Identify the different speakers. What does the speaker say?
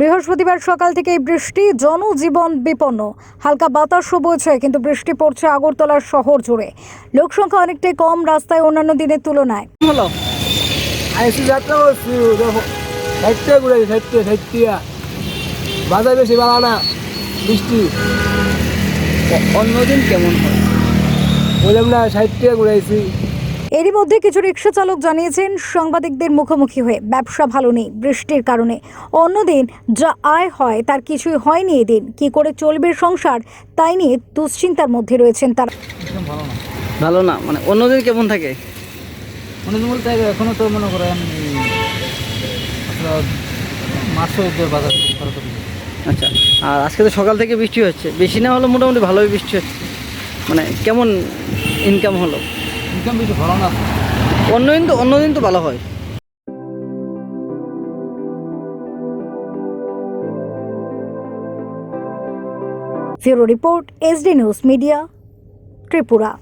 Speaker 1: বৃহস্পতিবার সকাল থেকেই বৃষ্টি, জনজীবন বিপন্ন। হালকা বাতাসও বইছে, কিন্তু বৃষ্টি পড়ছে আগরতলার শহর জুড়ে। লোকসংখ্যা অনেকটাই কম রাস্তায় অন্যান্য দিনের তুলনায়।
Speaker 2: হলো আইসি যাত্রা করছি সাইডটা ঘুরাইছি সাইডটা বাজার বেশি বাড়া না বৃষ্টি
Speaker 3: অন্যদিন কেমন হয়?
Speaker 2: বললাম না সাইডটা ঘুরাইছি।
Speaker 1: এরই মধ্যে কিছু রিক্সা চালক জানিয়েছেন সাংবাদিকদের মুখোমুখি হয়ে ব্যবসা ভালো নেই বৃষ্টির কারণে। অন্যদিন যা আয় হয় তার কিছুই হয়নি এদিন। কি করে চলবে সংসার তাই নিয়ে দুশ্চিন্তার মধ্যে রয়েছেন তারা।
Speaker 3: ভালো না মানে অন্যদিন কেমন থাকে?
Speaker 2: অন্যদিন বলতে এখনো তো মনে করেন মাছের বাজার
Speaker 3: আচ্ছা, আর আজকে তো সকাল থেকে বৃষ্টি হচ্ছে, বেশি না হলো মোটামুটি ভালোই বৃষ্টি হচ্ছে। মানে কেমন ইনকাম হলো?
Speaker 2: ইনকাম বেশি ভালো না।
Speaker 3: অন্যদিন তো ভালো হয়।
Speaker 1: Bureau report, SD news media, Tripura.